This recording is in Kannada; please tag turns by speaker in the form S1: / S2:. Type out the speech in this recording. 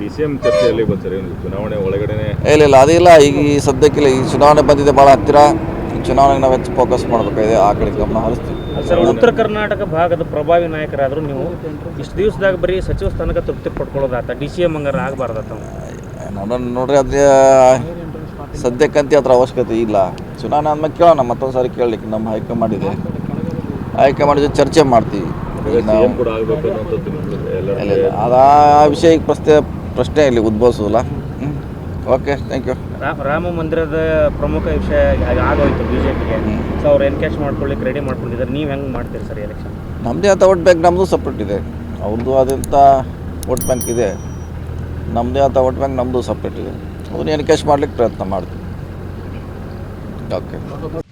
S1: DCM ಚರ್ಚೆಯಲ್ಲಿ ಬಂದರೆ ಚುನಾವಣೆ ಒಳಗಡೆನೆ
S2: ಇಲ್ಲ ಅದಿಲ್ಲ. ಈಗ ಈ ಸದ್ಯಕ್ಕಿಲ್ಲ, ಈ ಚುನಾವಣೆ ಬಂದಿದೆ ಭಾಳ ಹತ್ತಿರ. ಈ ಚುನಾವಣೆಗೆ ನಾವು ಹೆಚ್ಚು ಫೋಕಸ್ ಮಾಡಬೇಕಾಗಿದೆ, ಆ ಕಡೆ ಗಮನ ಹರಿಸ್ತೀವಿ.
S3: ಸರ್, ಉತ್ತರ ಕರ್ನಾಟಕ ಭಾಗದ ಪ್ರಭಾವಿ ನಾಯಕರಾದರೂ ನೀವು ಇಷ್ಟು ದಿವಸದಾಗ ಬರೀ ಸಚಿವ ಸ್ಥಾನಕ್ಕೆ ತೃಪ್ತಿ ಪಡ್ಕೊಳ್ಳೋದಾತ, DCM ಹಂಗಾರ ಆಗಬಾರ್ದಾತ?
S2: ನೋಡ್ರಿ, ಅದೇ ಸದ್ಯಕ್ಕಂತೂ ಅದ್ರ ಅವಶ್ಯಕತೆ ಇಲ್ಲ. ಚುನಾವಣೆ ಆದ್ಮೇಲೆ ಕೇಳೋಣ, ಮತ್ತೊಂದು ಸಾರಿ ಕೇಳಲಿಕ್ಕೆ ನಮ್ಮ ಹೈಕಮಾಂಡ್ ಇದೆ. ಹೈಕಮಾಂಡ್ ಜೊತೆ ಚರ್ಚೆ ಮಾಡ್ತೀವಿ.
S1: CM ಕೂಡ ಆಗಬೇಕು ಅನ್ನೋಂಥದ್ದು
S2: ಇಲ್ಲ, ಅದು ಆ ವಿಷಯ ಈಗ ಪ್ರಶ್ನೆ ಇಲ್ಲಿ ಉದ್ಭವಿಸೋದಿಲ್ಲ. Okay, thank you.
S3: ರಾಮ ಮಂದಿರದ ಪ್ರಮುಖ ವಿಷಯ ಆಗೋಯ್ತು BJPಗೆ. ಸೊ ಅವ್ರು ಎನ್ಕ್ಯಾಶ್ ಮಾಡ್ಕೊಳ್ಳಿಕ್ಕೆ ರೆಡಿ ಮಾಡ್ಕೊಂಡಿದ್ದಾರೆ. ನೀವು ಹೆಂಗೆ ಮಾಡ್ತೀರಿ ಸರ್ ಎಲೆಕ್ಷನ್?
S2: ನಮ್ಮದೇ ಆದ ವೋಟ್ ಬ್ಯಾಂಕ್, ನಮ್ಮದು ಸಪ್ರೇಟ್ ಇದೆ. ಅವ್ರದ್ದು ಆದಂಥ ವೋಟ್ ಬ್ಯಾಂಕ್ ಇದೆ, ನಮ್ಮದೇ ಆದ ವೋಟ್ ಬ್ಯಾಂಕ್ ನಮ್ಮದು ಸಪ್ರೇಟ್ ಇದೆ. ಅದನ್ನು ಎನ್ಕ್ಯಾಶ್ ಮಾಡ್ಲಿಕ್ಕೆ ಪ್ರಯತ್ನ ಮಾಡ್ತೀವಿ. ಓಕೆ.